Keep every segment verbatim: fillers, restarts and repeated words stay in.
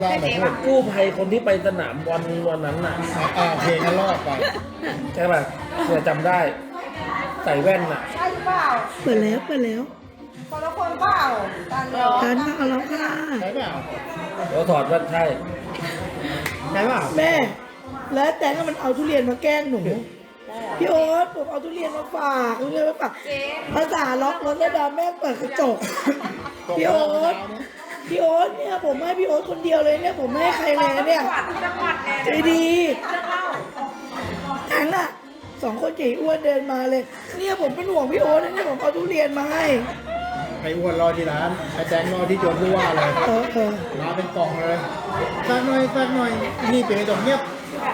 ได้ไหมพูดกู้ภัยคนที่ไปสนามบอลวันนั้นน่ะอ่าเพลงนั้นรอดไปใช่ป่ะเผื่อจำได้ใส่แว่นน่ะใช่หรือเปล่าเปิดแล้วเปิดแล้วคนละคนเปล่ากันเหรอทานมาเอาแล้วค่ะใช่เปล่าแล้วถอดแว่นใช่ใช่เปล่าแม่ แล้วแต่ก็มันเอาทุเรียนมาแกล้งหนูพี่โอ๊ตผมเอาทุเรียนมาฝากทุเรียนมาฝากภาษาล็อกรถแล้วดาแม่เปิดกระจกพี่โอ๊ตพี่โอ๊ตเนี่ยผมให้พี่โอ๊ตคนเดียวเลยเนี่ยผมไม่ให้ใครเลยนะเนี่ยจังหวัดแน่ใจดีทั้งอ่ะสองคนใหญ่อ้วนเดินมาเลย เนี่ยผมเป็นห่วงพี่โอ๊ตนะเนี่ยผมเอาทุเรียนมาให้ไอ้อ้วนรอที่ร้านไอ้แจงรอที่โจนผู้ว่าเลยเออเออรอเป็นกล่องเลยสักหน่อยสักหน่อยนี่เป็นไอ้ตรงเงียบ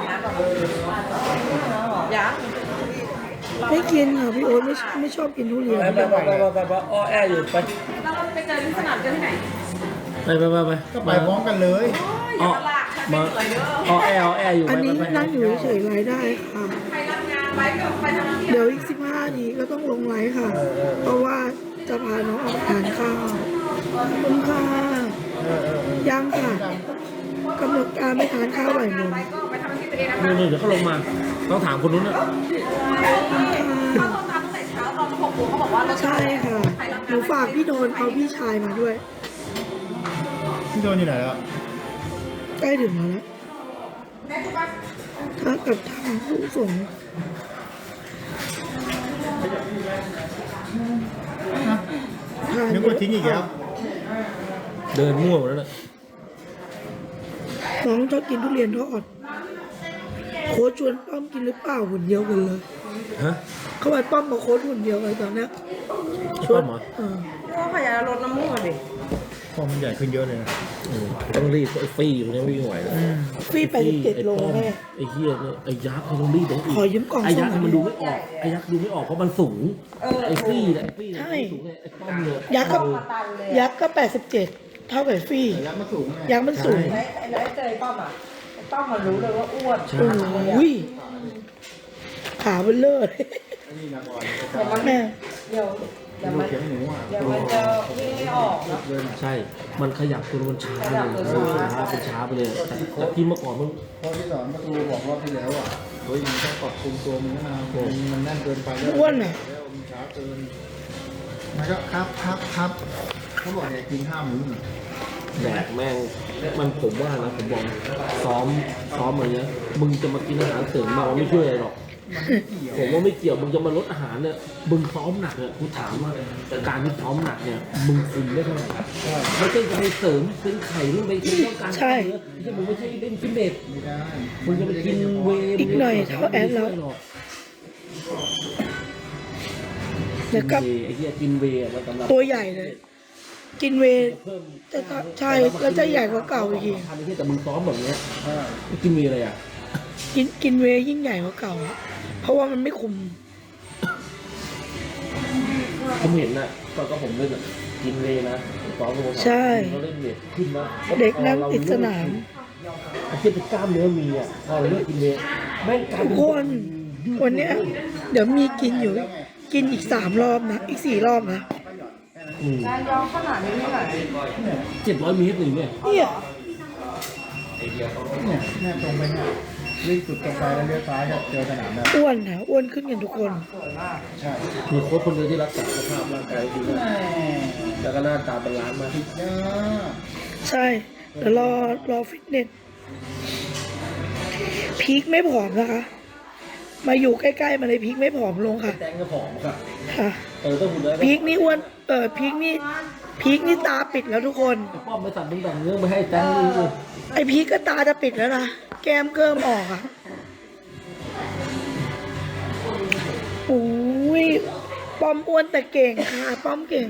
ยังไม่กินค่ะพี่โอ๊ตไม่ไม่ชอบกินทุเรียนไปไปไปไปไปไปอ้อแออยู่ไปเราไปเจอที่สนามเจอที่ไหนไปไปไปไปก็ไปพร้อมกันเลยอ้อมาอ้อแออ้อแออยู่อันไปนี้ไปไปนั่งอยู่เฉยๆรายได้ค่ะใครรับงานไว้ก็ไปทำที่เดี๋ยวอีกสิบห้านาทีก็ต้องลงไลฟ์ค่ะ เพราะว่าจะพาน้องออกทานข้าวขอบคุณค่ะเออเออเออยังค่ะกำหนดการไม่ทานข้าวบ่ายโมงไปก็ไปทำที่ตัวเองนะคะนี่นี่เดี๋ยวเขาลงมาต้องถามคนนู้นนะเขาโทรตามตั้งแต่เช้าตอนหกโมงเขาบอกว่าเราใช่ค่ะหนูฝากพี่โดนเอาพี่ชายมาด้วยพี่โดนอยู่ไหนแล้วใกล้ถึงแล้วนะถ้ากับทางผู้ส่งฮะทานนึกว่าทิ้งอีกแล้วเดินมั่วหมดแล้วนะน้องชอบกินทุเรียนทอดโค้ชชวนป้อมกินหรือเปล่าหุ่นเดียวกันเลยฮะเขาไปป้อมกับโค้ชหุ่นเดียวกันตอนเนี้ยชวนเหรอเออก็ขยายลดน้ำมูกดิพอมันใหญ่ขึ้นเยอะเลยนะเออต้องรีบไอ้ฟี่อยู่เนี่ยวิ่งไหวแล้วฟี่ไปสิบเจ็ดโลแม่ไอ้เฮียเนี่ยไอ้ยักษ์เขาต้องรีบต้องอีกขอยืมกล่องไอ้ยักษ์ส้มหน่อยมันดูไม่ออกไอ้ยักษ์ดูไม่ออกเพราะมันสูงไอ้ฟี่เนี่ยไอ้ฟี่เนี่ยมันสูงไงไอ้ป้อมเนี่ยยักษ์ก็ยักษ์ก็แปดสิบเจ็ดเท่ากับฟี่แต่ยักษ์มาสูงไงยักษ์มันสูงไอ้ไอ้แล้วเจอป้อมอ่ะป้อมมันรู้เลยว่าอ้วนโอ้ยขาเบลเลอร์เลยอันนี้นะบอลแม่เดี๋ยวเดี๋ยวดูมันเขียงหนูอ่ะเดี๋ยวมันจะวิ่งไม่ออกเนาะเลยนะใช่ มันขยับตัวมันช้าเลยขยับตัวช้าช้าเป็นช้าไปเลยแต่แต่ที่เมื่อก่อนมันพอที่สอนประตูบอกรอบที่แล้วอ่ะเฮ้ยมันต้องปรับปรุงตัวมันนะมันมันแน่นเกินไปแล้วอ้วนอ่ะแล้วมันช้าเกินมันก็ครับครับครับเขาบอกอย่ากินห้ามื้อแดกแม่งมันผมว่านะผมบอกซ้อมซ้อมอะไรเงี้ยมึงจะมากินอาหารเสริมมามันไม่ช่วยอะไรหรอกผมว่าไม่เกี่ยวมึงจะมาลดอาหารเนี่ยมึงซ้อมหนักเนี่ยกูถามว่าการที่ซ้อมหนักเนี่ยมึงคุมได้เท่าไหร่ไม่ใช่จะไปเสริมซื้อไข่หรือไปซื้อต้องการใช่เนื้อไม่ใช่มึงไม่ใช่เล่นฟิตเนสไม่ได้มึงจะไปกินเวย์อีกหน่อยเท่าแอดแล้ว เดี๋ยวกับไอ้เหี้ยกินเวย์มันสำหรับตัวใหญ่เลย กินเวย์เพิ่มจะใช่แล้วจะใหญ่กว่าเก่าอีกทีทำไอ้เหี้ยแต่มึงซ้อมแบบเนี้ยอ่ากินเวย์อะไรอ่ะกินกินเวย์ยิ่งใหญ่กว่าเก่าอะเพราะว่ามันไม่คุมผมเห็นน่ะตอนก็ผมเล่นอ่ะกินเวย์นะซ้อมกับผมใช่เขาเล่นเวทขึ้นนะเด็กนั่งติดสนามไอ้เหี้ยเป็นกล้ามเนื้อมีอ่ะพอเราเลิกกินเวย์แม่งกลายทุเป็กคนวันเนี้ยเดี๋ยวมีกินอยู่ กินอีกสามรอบนะ อีกสี่รอบนะการย้อมขนาดนี้ไม่ไหนเจ็ดร้อยเมตรหนึ่งเนี่ยเนี่ยเนี่ยเนี่ยตรงไปเนี่ยวิ่งสุดตรงไปแล้วเลี้ยวซ้ายจะเจอสนามแล้วอ้วนนะอ้วนขึ้นกันทุกคนใช่มีโค้ชคนเดียวที่รักษาสภาพร่างกายดีมากแม่แล้วก็หน้าตาเป็นล้านมากยาใช่เดี๋ยวรอรอฟิตเนส พีคไม่ผอมนะคะ มาอยู่ใกล้ๆมาเลยพีคไม่ผอมลงค่ะแตงก็ผอมค่ะค่ะเออต้องหุ่นแล้วพีคนี่อ้วน เออพีคนี่ พีคนี่ตาปิดแล้วทุกคนป้อมไปตัดมึงตัดเนื้อไปให้แตงนี่เลยไอพีคก็ตาจะปิดแล้วนะ แก้มเกิมออกอ่ะโอ้ยป้อมอ้วนแต่เก่งค่ะ ป้อมเก่ง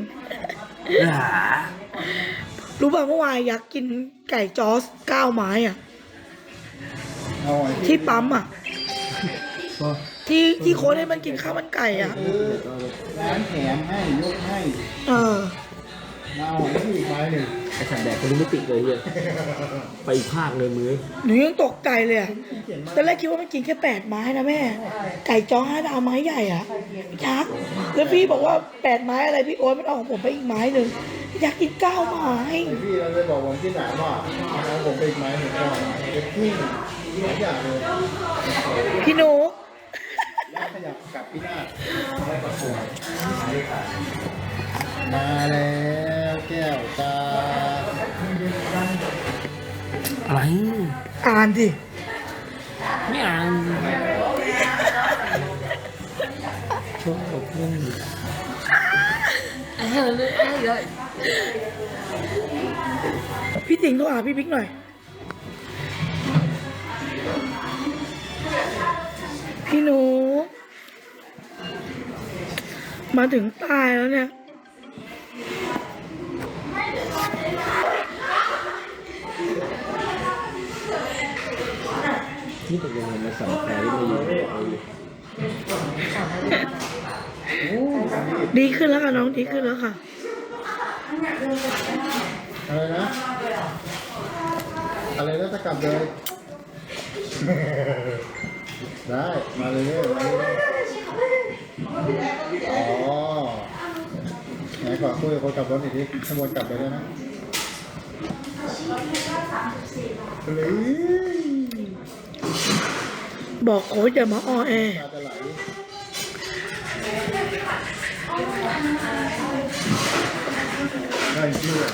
รู้ป่ะเมื่อวานอยากกินไก่จอสเก้าไม้อ่ะเอาไอ้ที่ปั๊มอ่ะ ที่ที่โค้ชให้มันกินข้าวมันไก่อ่ะร้านแถมให้ยกให้เออเอาไอ้ที่อีกไม้หนึ่งไอ้สัตว์แดกคนนี้ไม่ติดเลยเฮียไปอีกภาคเลยมือหนูยังตกใจเลยอะตอนแรกคิดว่ามันกินแค่แปดไม้นะแม่ ไก่จ้อห้าดาวไม้ใหญ่อะยักษ์แล้วพี่บอกว่าแปดไม้อะไรพี่โอ๊ตมันเอาของผมไปอีกไม้หนึ่งอยากกินก้าวไม้ไอพี่เราเลยบอกวันที่ไหนว่าเอาผมไปอีกไม้หนึ่งก่อนจะกิ้งทุกอย่างเลยพี่หนูขยับกลับพี่หน้ามาแล้วแก้วตาอะไรอ่านดิไม่อ่านชอบเรื่องนี้พี่ติ๋งโทรหาพี่บิ๊กหน่อย พี่หนู มาถึงตายแล้วเนี่ยนี่เป็นยังไงมาสั่งแฟที่ไม่ยินดีขึ้นแล้วค่ะน้องดีขึ้นแล้วค่ะอะไรนะอะไรนะจะกลับเลย ได้มาเลยมาเลยอ๋อไหนขอคุยกับคนขับรถอีกทีขบวนกลับไปแล้วนะเลยบอกโค้ชอย่ามาออแอตาจะไหลได้ชื่อ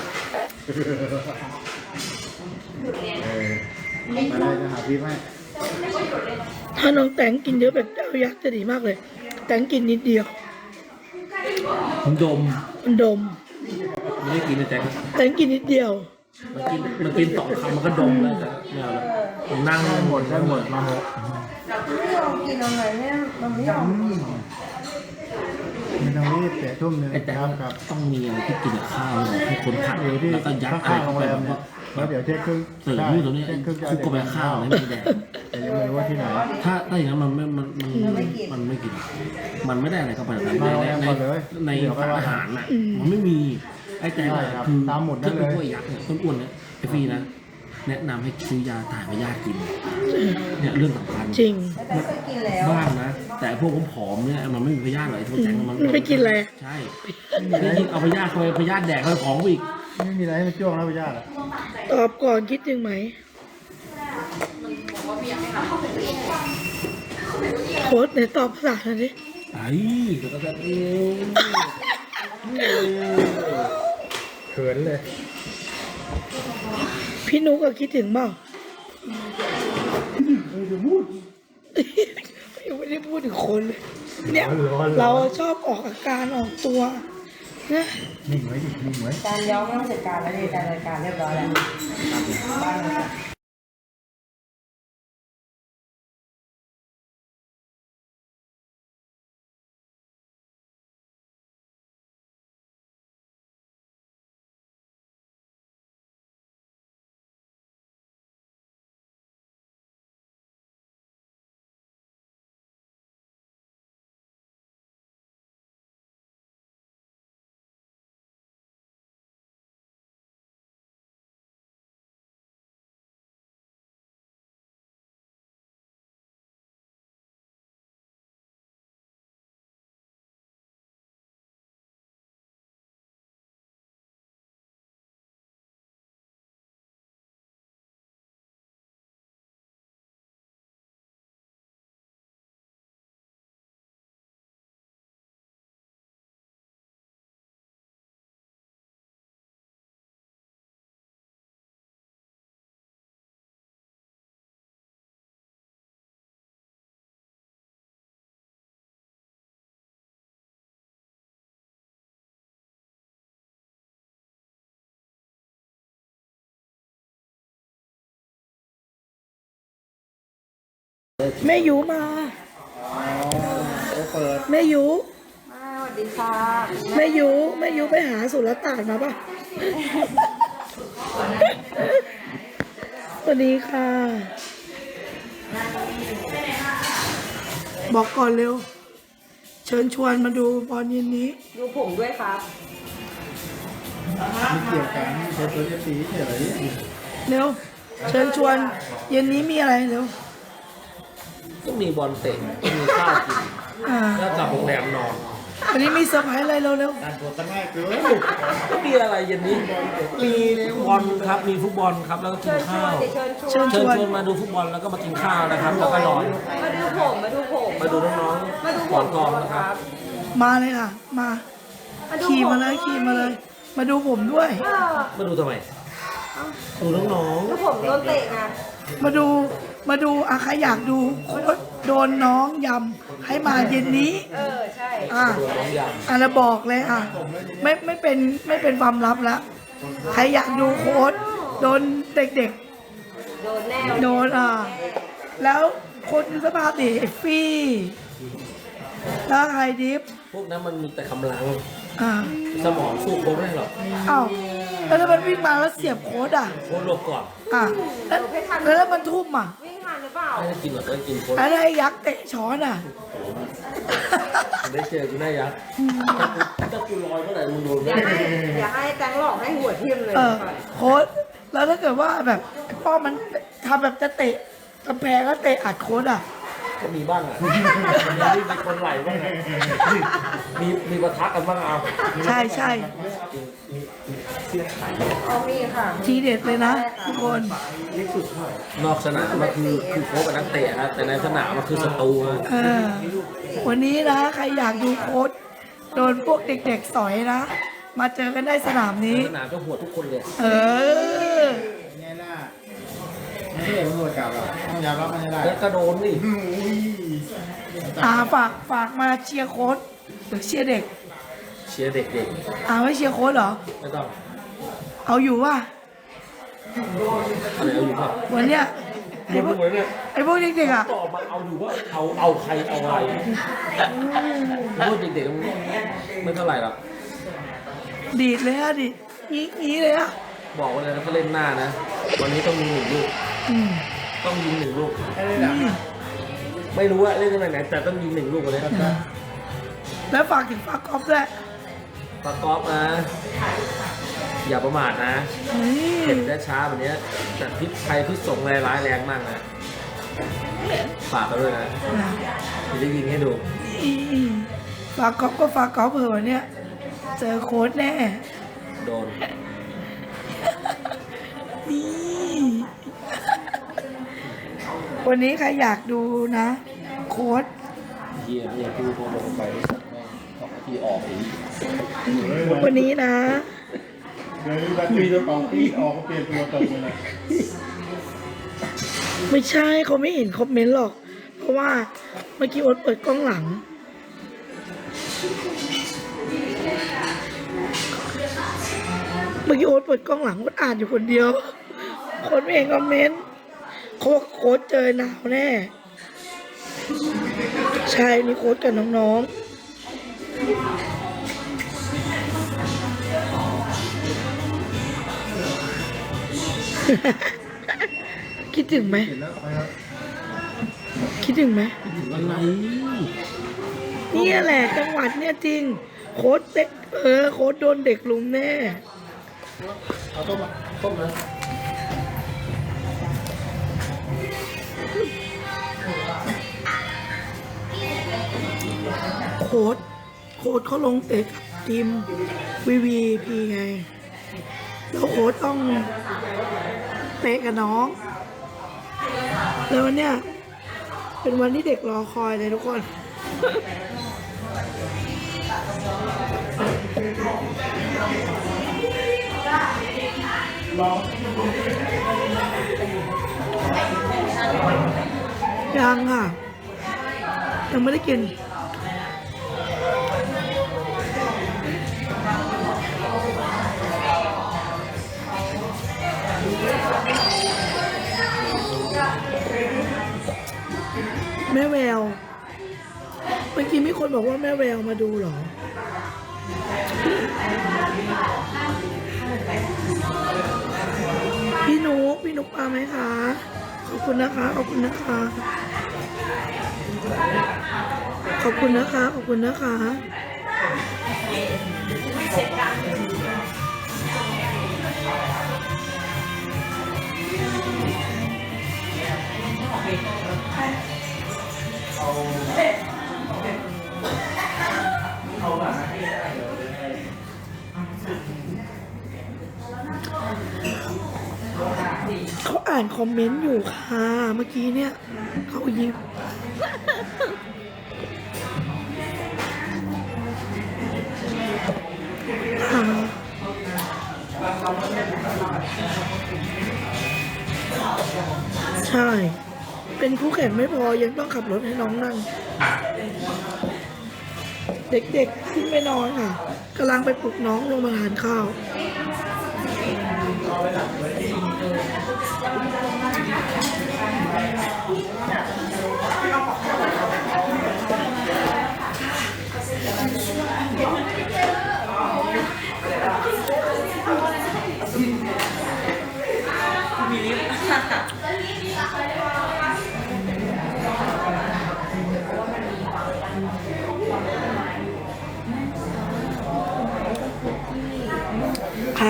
เออมาได้จะหาพี่ไหมถ้าน้องแตงกินเยอะแบบเจ้ายักษ์จะดีมากเลย แตงกินนิดเดียวผมดมมันดมไม่ได้กินนะแจ๊คแตงกินนิดเดียวมันกินมันกินสองคำมันก็ดมแล้วแต่ไม่เอาแล้วผมนั่งหมดได้หมดมาหกกินอะไรเนี่ยมันไม่ยอมไม่ต้องรีบเสียทุ่มหนึ่งไอ้แต่ครับครับต้องมีอะไรที่กินกับข้าวเลยให้คนพักอยู่ที่แล้วก็ยัดอะไรข้างๆโรเข้าง ไปแรแบมบว่าแล้วเดี๋ยวเช็คครึ่งเสิร์ฟนู่นตรงนี้เช็คครึ่งจะคุกกับไปข้าวให้มันแดกแต่ยังไม่รู้ว่าที่ไหนถ้าถ้าอย่างนั้นมันไม่มันมันมันไม่กิน มันไม่ได้อะไรเข้าไปในในในในสารอาหารน่ะมันไม่มีไอ้แต่คือถ้าเป็นพวกยักษ์เนี่ยต้นอ้วนเนี่ยไอ้ฟรีนะแนะนำให้ซื้อยาถ่ายพยาธิกินเนี่ยเรื่องสำคัญจริงแต่เคยกินแล้วบ้างนะแต่พวกผอมๆเนี่ยมันไม่มีพยาธิหรอกไอ้พวกแจงมันมันไปกินอะไรใช่นี่ยิ่งเอาพยาธิเข้าไปพยาธิแดกเข้าไปของอีกไม่มีอะไรให้มันจ้วงแล้วไปญาติอ่ะตอบก่อนคิดถึงไหมโค้ชไหนตอบภาษาหน่อยดิไอ้ก็จะเองเขินเลยพี่นุกก็คิดถึงเปล่ายังไม่ได้พูดถึงคนเลย เนี่ยเราชอบออกอาการออกตัวนะนิ่งไว้ดินิ่งไว้การย้อมต้องเสร็จการแล้วนี่การรายการเรียบร้อยแล้วบ้านเลยแม่ยูมาอ๋อโอ้เปิดแม่ยูสวัสดีค่ะแม่ยูแม่ยูไปหาสุรต่านมาป่ะ สวัสดีค่ะ บอกก่อนเร็ว เชิญชวนมาดูบอลเย็นนี้ดูผมด้วยครับไม่เกี่ยวกันเชิญตัวเอฟซีเฉยเร็ว เชิญชวนเย็นนี้มีอะไรเร็วต้องมีบอลเตะต้องมีข้าวกินอ่าแล้วกลับโรงแรมนอนวันนี้มีเซอร์ไพรส์อะไรเร็วการตัวตั้งง่ายเกินก็มีอะไรเย็นนี้มีฟุตบอลครับมีฟุตบอลครับแล้วก็กินข้าวๆเชิญเชิชญวนชวนมาดูฟุตบอลแล้วก็มากินข้าวนะครับแล้วก็นอนมาดูผมมาดูผมมาดูน้องมาดูๆผก่อมนกองนะครับมาเลยค่ะ มามาดูขี่ผมมาเลยขี่มาเลย มาดูผมด้วยเออมาดูทำไมดูน้องดูผมโดนเตะไงมาดูมาดูอะใครอยากดูโค้ชโดนน้องยำให้มาเย็นนี้เออใช่อ่ะๆดูน้องยอ่ะแล้วบอกเลยอ่ะไม่ไม่เป็นไม่เป็นความลับแล้วใครอยากดูโค้ชโดนเด็กโดนแน่ๆ โดนอ่ะแล้วโค้ชสภาติไอ้ฟี่แล้วใครดิฟำพวกนั้นมันมีแต่กำลังอ่ะสมองสู้โค้ชไม่ได้หรอกอ้าวแล้วถ้ามันวิ่งมาแล้วเสียบโค้ชอ่ะโค้ชหลบก่อนอ่ะแล้วแล้วถ้ามันทุ่มอ่ะวิ่งทันหรือเปล่าไม่ได้กินหรอกไม่ได้กินโค้ชแล้วถ้าไอ้ยักษ์เตะช้อนอ่ะได้เจอกูได้ยักษ์ถ้ากูลอยเมื่อไหร่มึงโดนอแน่ย่าให้อย่าให้แตงหลอกให้หัวทิ่มเลยเออโค้ชแล้วถ้าเกิดว่าแบบไอ้ป้อมมันทำแบบจะเตะกำแพงก็เตะอัดโค้ชอ่ะก็มีบ้างอ่ะมีมีคนไหลบ้างอะมีมีปะทะกันบ้างเอาใช่ใช่เสียไข่เอามีค่ะทีเด็ดเลยนะทุกคนนอกสนามมันคือคือโค้ชกับนักเตะนะแต่ในสนามมันคือศัตรูนะเออวันนี้นะใครอยากดูโค้ชโดนพวกเด็กๆสอยนะ มาเจอกันได้สนามนี้สนามก็หัวทุกคนเลยเออไงล่ะไม่ใช่มันหมดกับหรอกต้องยอมรับมันให้ได้แล้วก็โดนนี่อุ้ยอาฝากฝากมาเชียร์โค้ชหรือเชียร์เด็กเชียร์เด็กอาไม่เชียร์โค้ชเหรอๆไม่ต้องเอาอยู่ว่ะอะไรเอาอยู่ป่ะวันเนี้ยหมไอ้ดพวกหมดเนี่ยไอ้พวกเด็กๆอ่ะตอบมาเอาอยู่ว่าเอาเอาใครเอาอะไรพวกเด็กๆมันไม่เท่าไหร่หรอกดีดเลยอะดีดงี้งี้เลยอะบอกไว้เลยนะถ้าเล่นหน้านะวันนี้ต้องมีหนึ่งลูกอืมต้องยิงหนึ่งลูกให้ได้ดังไม่รู้ว่าเล่นกันไหนแต่ต้องยิงหนึ่งลูกวันนี้แล้วฝากถึงฝากกอล์ฟด้วยปากกอล์ฟนะ อย่าประมาทนะนี่เห็นได้ช้าแบบนี้แต่พิษภัยพิษสงร้ายร้ายแรงมากนะ ฝากกันด้วยนะจะได้ยิงให้ดูอีฝากกอล์ฟก็ฝากกอล์ฟเผื่อวันเนี้ยเจอโค้ชแน่โดนนี่วันนี้ใครอยากดูนะ โค้ชเฮียเฮียพูดพอลงไปสองนาทีออกอีกวันนี้นะเดี๋ยวแบบมีตัวเป่าปีออกก็เปลี่ยนตัวตรงเลยไม่ใช่เขาไม่เห็นคอมเมนต์หรอก เพราะว่าเมื่อกี้โอ๊ตเปิดกล้องหลัง เมื่อกี้โอ๊ตเปิดกล้องหลังโอ๊ตอ่านอยู่คนเดียว คนไม่เห็นคอมเมนต์เขาบอกโค้ชเจอหนาวแน่ ใช่นี่โค้ชกับน้องๆ คิดถึงไหมเห็นแล้วไปครับคิดถึงไหมอะไรเนี่ยแหละจังหวัดเนี่ยจริง โค้ชเด็กเออโค้ชโดนเด็กลุมแน่เอาต้มมาต้มนะโค้ชโค้ชเขาลงเตะกับทีมวีวีพีไง แล้วโค้ชต้องเตะกับน้อง แล้ววันเนี้ยเป็นวันที่เด็กรอคอยเลยทุกคน ยังค่ะ ยังไม่ได้กิน แม่แวว เมื่อกี้มีคนบอกว่าแม่แววมาดูเหรอ พี่นุกพี่นุกมาไหมคะ ขอบคุณนะคะ ขอบคุณนะคะ ขอบคุณนะคะ ขอบคุณนะคะานคอมเมนต์อยู่ค่ะเมื่อกี้เนี่ยเขายิ้มค่ะใช่ เป็นคู่แข่งไม่พอยังต้องขับรถให้น้องนั่ง เด็กๆขึ้นไปนอนค่ะกำลังไปปลุกน้องลงมาทานข้าว ค่ะ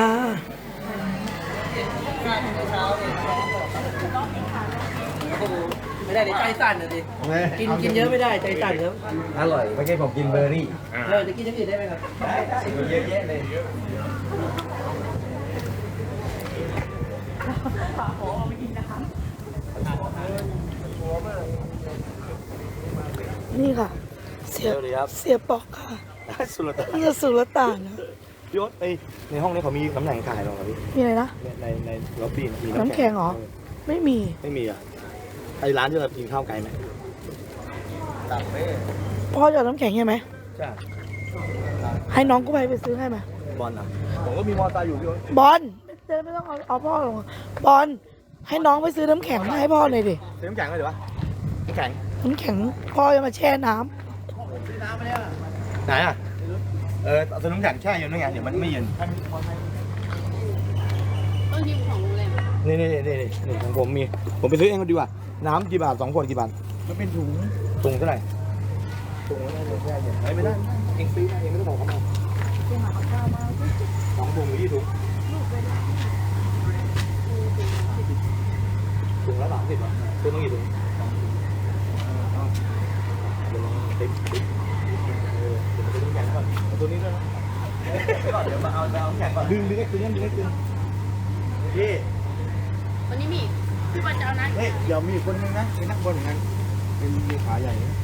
ไม่ได้เดี๋ยวใจสั่นเลยดิ กินกินเยอะไม่ได้ใจสั่นแล้วอร่อยเมื่อกี้ผมกินเบอร์รี่เออจะกินอย่างอื่นได้ไหมครับได้ได้เยอะแยะเลยนี่ค่ะ เสียสวัสดีครับเสียปอกค่ะสุรตานนี่จะสุรต่านนะพี่โอ๊ตเอ้ยในห้องนี้เขามีน้ำแข็งขายหรอครับพี่มีอะไรนะในในในล็อบบี้มีน้ำแข็งเหรอ ไม่มีไม่มีอ่ะไอร้านที่เรากินข้าวไกลไหมตับเป้พ่อจะเอาน้ำแข็งใช่ไหมใช่ให้น้องกู้ภัยไปซื้อให้ไหมบอลอ่ะผมก็มีมอเตอร์ไซค์อยู่พี่โอ๊ตบอลไม่เจอไม่ต้องเอาเอาพ่อลงบอลให้น้องไปซื้อน้ำแข็งมาให้พ่อหน่อยดิซื้อน้ำแข็งเลยดีวะน้ำแข็งน้ำแข็งพ่อจะมาแช่น้ำไหนอ่ะเออซื้อน้ำแข็งแช่เย็นด้วยไงเดี๋ยวมันไม่เย็นต้องยืมของโรงแรมนี่นี่นี่นี่นี่ของผมมีผมไปซื้อเองก็ดีกว่าน้ำกี่บาทสองขวดกี่บาทก็เป็นถุงถุงเท่าไหร่ถุงละเดี๋ยวแช่เย็นไม่ได้เองซื้อมาเองไม่ต้องบอกเขามาสองถุงหรือยี่ถุงถุงละสามสิบบาทซื้อมากี่ถุงเดี๋ยวลองติ๊บติ๊บเออเดี๋ยวมาซื้อน้ำแข็งก่อนเอาตัวนี้ด้วยนะก่อนเดี๋ยวมาเอาเอาน้ำแข็งก่อนดึงดึงไอ้ตัวนี้ดึงไอ้ตัวนี้พี่วันนี้มีพี่บอลจะเอานะเฮ้ยเดี๋ยวมีคนนึงนะเป็นนักบอลเหมือนกันเป็นมีขาใหญ่นะ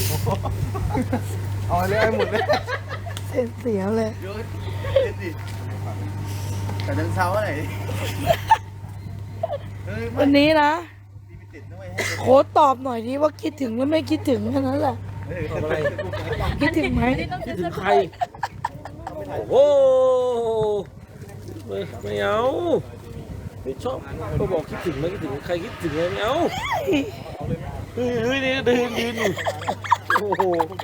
เอาเลยให้หมดเลยเสียเสียเลยเยอะเล่นดิแต่เดินเช้าอะไรเฮ้ยไม่วันนี้นะมีไปติดนะเว้ยให้โค้ดตอบหน่อยดิว่าคิดถึงหรือไม่คิดถึงแค่นั้นแหละเฮ้ยทำอะไรคิดถึงไหมคิดถึงใคร โอ้โหไม่ไม่เอาไม่ชอบก็บอกคิดถึงไม่คิดถึงใครคิดถึงไงไม่เอาเฮ้ยเฮ้ยนี่เดินยืนอยู่โอ้โห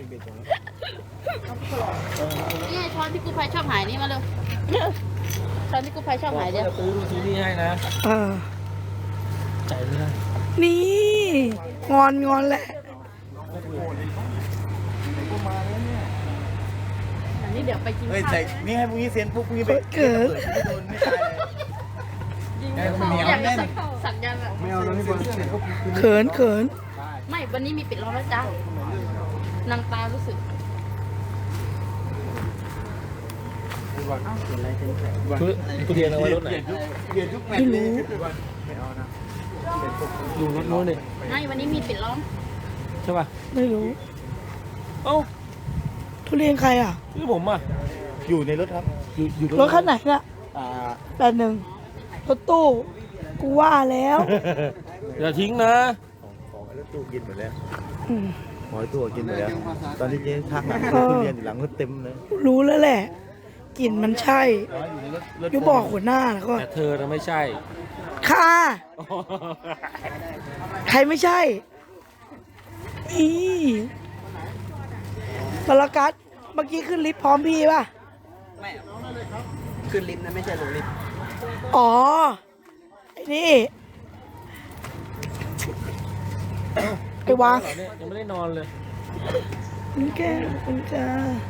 นี่ไงช้อนที่กู้ภัยชอบหายนี่มาเร็วช้อนที่กู้ภัยชอบบอกหายว่าเดี๋ยวจะซื้อซีนี่ให้นะเออใจไม่ได้นี่ งอนงอนแหละอันนี้เดี๋ยวไปกินเฮ้ยข้าวใส่นี่ให้พวกนี้เซียนพวกพวกนี้ไปเกิดไม่โดนไม่ตายเลยยิงแม่ก็เขาไม่เอาอยากแน่จะนสักยันต์อะไม่เอาแล้วนี่บอลเซียนพวกเขินเขินไม่ วันนี้มีปิดล้อมแล้วจ้า นางตารู้สึกคือกูเรียนเอาไว้รถไหนเปลี่ยนทุกแมตช์เลยไม่เอานะอยู่รถโน้นเลยไม่ วันนี้มีปิดล้อมใช่ป่ะไม่รู้เอ้าทุเรียนใครอ่ะคือผมอ่ะอยู่ในรถครับอยู่อยู่รถคันไหนน่ะอ่าแปดหนึ่งรถตู้ กูว่าแล้วอย่าทิ้งนะของไอ้รถตู้กินหมดแล้วอืมหอยตัวกินหมดแล้ว ตอนที่เจ๊ทักหลังเออทุเรียนอยู่หลังก็เต็มเลยรู้แล้วแหละกลิ่นมันใช่อยู่ในรถรถอยู่บอกหัวหน้าแล้วก็แต่เธอน่ะไม่ใช่ค่ะใครไม่ใช่นี่บรรกัสเมื่อกี้ขึ้นลิฟต์พร้อมพี่ป่ะไม่ขึ้นลิฟต์นะไม่ใช่ลงลิฟต์อ๋อ ไอ้นี่ ไอ้วางเหรอเนี่ยยังไม่ได้นอนเลยคุณแก้วคุณจ้า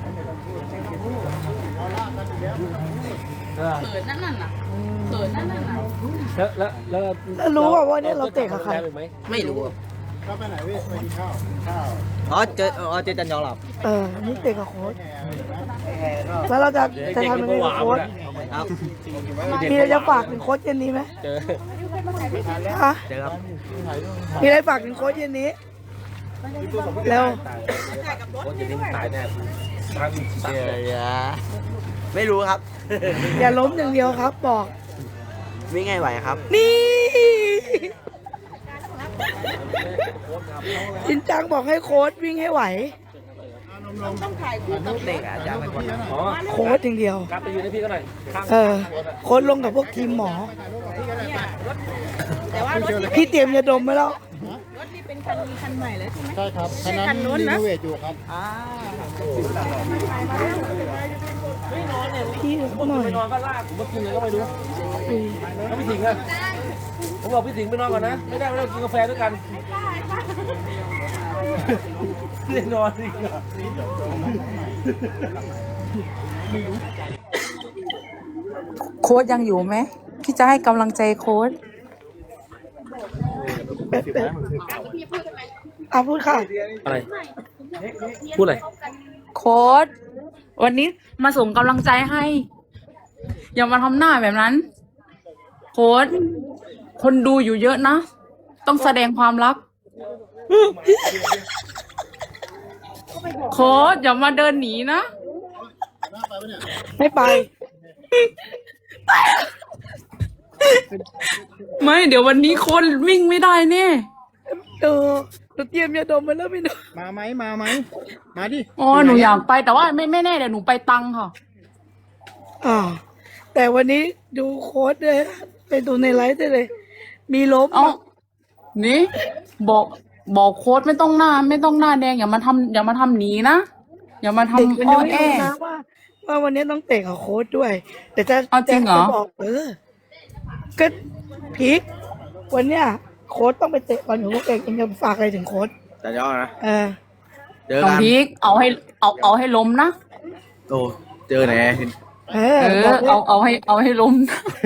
เออเขินนั่นน่ะน่ะเขินนั่นน่ะน่ะแล้วแล้วแล้วแล้วรู้ว่าว่าเนี่ยเราเตะกับใครได้ไปไหมไม่รู้เข้าไปไหนเว้ยไปกินข้าวกินข้าวอ๋อเจออ๋อเจอจันยองหลับเออนี่เตะกับโค้ชแล้วเราจะจะทำยังไงกับโค้ชครับมีอะไรจะฝากถึงโค้ชเย็นนี้ไหมเจอฮะเจอครับมีอะไรฝากถึงโค้ชเย็นนี้แล้วโค้ชจะดิ้งตายแน่ทั้งสัตว์เลยไม่รู้ครับอย่าล้มอย่างเดียวครับ บอกวิ่งไงไหวครับนี่จินจังบอกให้โค้ชวิ่งให้ไหวเด็กอาจารย์เป็นคนอ๋อโค้ชอย่างเดียวกลับไปอยู่ในพี่ก็หน่อยข้างเออ โค้ชลงกับพวกทีมหมอแต่ว่ารถที่พี่เตรียมยาดมไว้แล้วรถนี่เป็นคันคันใหม่เลยใช่ไหมใช่ครับคันนั้นรีโนเวทอยู่ครับพี่หน่อยไปนอนก็ลากผมมากินเลยก็ไม่รู้แล้วพี่สิงห์อะผมบอกพี่สิงห์ไปนอนก่อนนะ ไม่ได้ไม่ได้กินกาแฟด้วยกันไม่ได้นอนอีกเหรอโค้ชยังอยู่ไหมพี่จะให้กำลังใจโค้ชอ่ะพูดค่ะอะไร พูดอะไรโค้ชวันนี้มาส่งกำลังใจให้ อย่ามาทำหน้าแบบนั้น โค้ชคนดูอยู่เยอะนะ ต้องแสดงความรัก โค้ชอย่ามาเดินหนีนะไม่ไปไม่เดี๋ยววันนี้โค้ชวิ่งไม่ได้แน่เออหนูเตรียมยาดมไว้แล้วพี่หนูมาไหมมาไหมมาดิอ๋อหนูอยากไปแต่ว่าไม่ไม่แน่เดี๋ยวหนูไปตังค่ะอ่า แต่วันนี้ดูโค้ดเลยไปดูในไลฟ์ได้เลย มีล้มเอ้านี่บอกบอกโค้ดไม่ต้องหน้า ไม่ต้องหน้าแดงอย่ามาทำอย่ามาทำหนีนะอย่ามาเด็กมันทำอ้ยัองไม่แอรู้นะว่าว่าวันนี้ต้องเตะกับโค้ดด้วย แต่จะเอาจริงเหรอจะบอกเออก็พีควันเนี้ยโค้ดต้องไปเตะบอลอยู่พวกเองเองจะฝากอะไรถึงโค้ดแต่ยอดนะเออเจอน้องกันพีกเอาให้เอาเอาให้ล้มนะโอ้เจอไหนเออเอบอกอว่าเอาเอาให้เอาให้ล้ม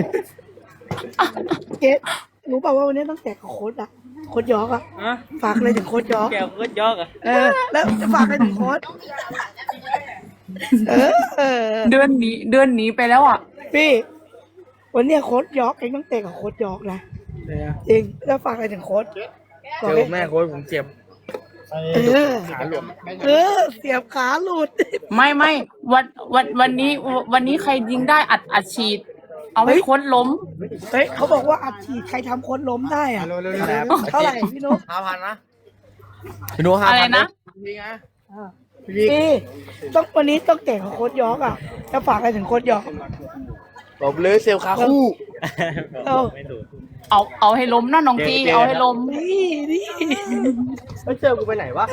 เกดรู้เปล่าว่าวันนี้ต้องเตะกับโค้ดอะโค้ดยอกอะฝากอะไรถึงโค้ดยอกแก้วก็ยอกอ่ะเออ แล้วจะฝากอะไรถึงโค้ดเออเออเดือนหนีเดือนหนีไปแล้วอ่ะพี่วันเนี้ยโค้ดยอกเองต้องเตะกับโค้ดยอกนะจริงแล้วฝากอะไรถึงโค้ดเจอแม่โค้ชผมเจ็บเออขาหลวมเออ เสียบขาหลุดไม่ไม่วันวันวันนี้วันนี้ใครยิงได้อัดอัดฉีด เอาให้เฮ้ยโค้ดล้มเฮ้ยเขาบอกว่าอัดฉีดใครทำโค้ดล้มได้อะเร็วเร็วเร็วเร็วเท่าไหร่พี่นุ๊กห้าพันนะพี่นุ้ห้าอะไรพันนะจริงนะพี่ต้องวันนี้ต้องเตะกับโค้ดยอกอ่ะจะฝากอะไรถึงโค้ดยอกผมเลยเซลล์คาคู่เออเอาเอาให้ล้มนะน้องจีเอาให้ล้มนี่นี่ไม่เจอกูไปไหนวะ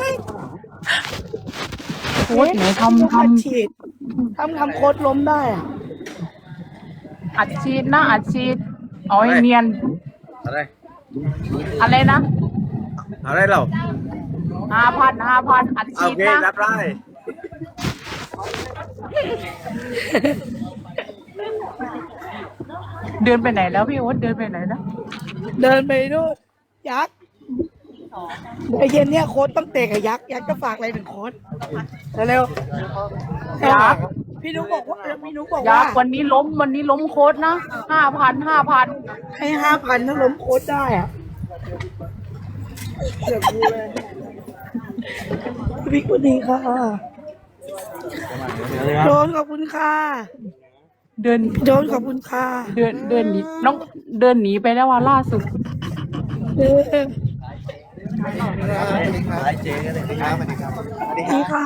โค้ดไหนทำทอัดฉีดทำทำโค้ดล้มได้อ่ะำอัดฉีดนะอัดฉีด เอาให้เนียนอะไรอะไรนะอะไรเราห้าพันห้าพันอัดโอฉีดเคนะรับได้เดินไปไหนแล้วพี่โอ๊ตเดินไปไหนแล้วเดินไปนู่นยักษ์ไอเย็นเนี่ยโค้ดต้องเตะกับยักษ์ยักษ์จะฝากอะไรถึงโค้ดเร็วๆยักษ์พี่นุ๊กบอกว่าพี่นุ๊กบอกยัว่ากษ์วันนี้ล้มวันนี้ล้มโค้ดนะห้าพันห้าพันให้ห้าพันถ้าล้มโค้ดได้อ่ะเดี๋ยวกูเลยพี่กุดีค่ะโดนขอบคุณค่ะเดินโดนขอบคุณค่ะเดินเดินหนีน้องเดินหนีไปแล้วว่าล่าสุดเออไอเจ๊กันเลยครับสวัสดีครับพี่ค่ะ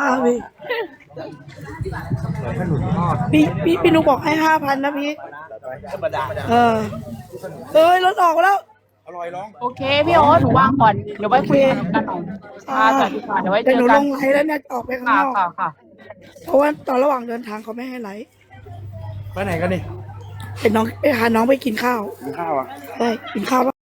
พี่พี่พี่พี่นุ๊กบอกให้ห้าพันนะพี่ธรรมดาเออเอ้ยรถออกแล้วอร่อยร้องโอเคพี่โอ๊ตหนูวางก่อนเดี๋ยวไว้คุยกันหน่อยค่ะสวัสดีค่ะเดี๋ยวไว้เจแต่หอนูกัลนงไลน์แล้วเนี่ยจะออกไปข้างค่ะนอกค่ะค่ะเพราะว่าตอนระหว่างเดินทางเขาไม่ให้ไลฟ์ไปไหนกันนี่เป็นน้องไปหาน้องไปกินข้าวกินข้าวอ่ะใช่กินข้าว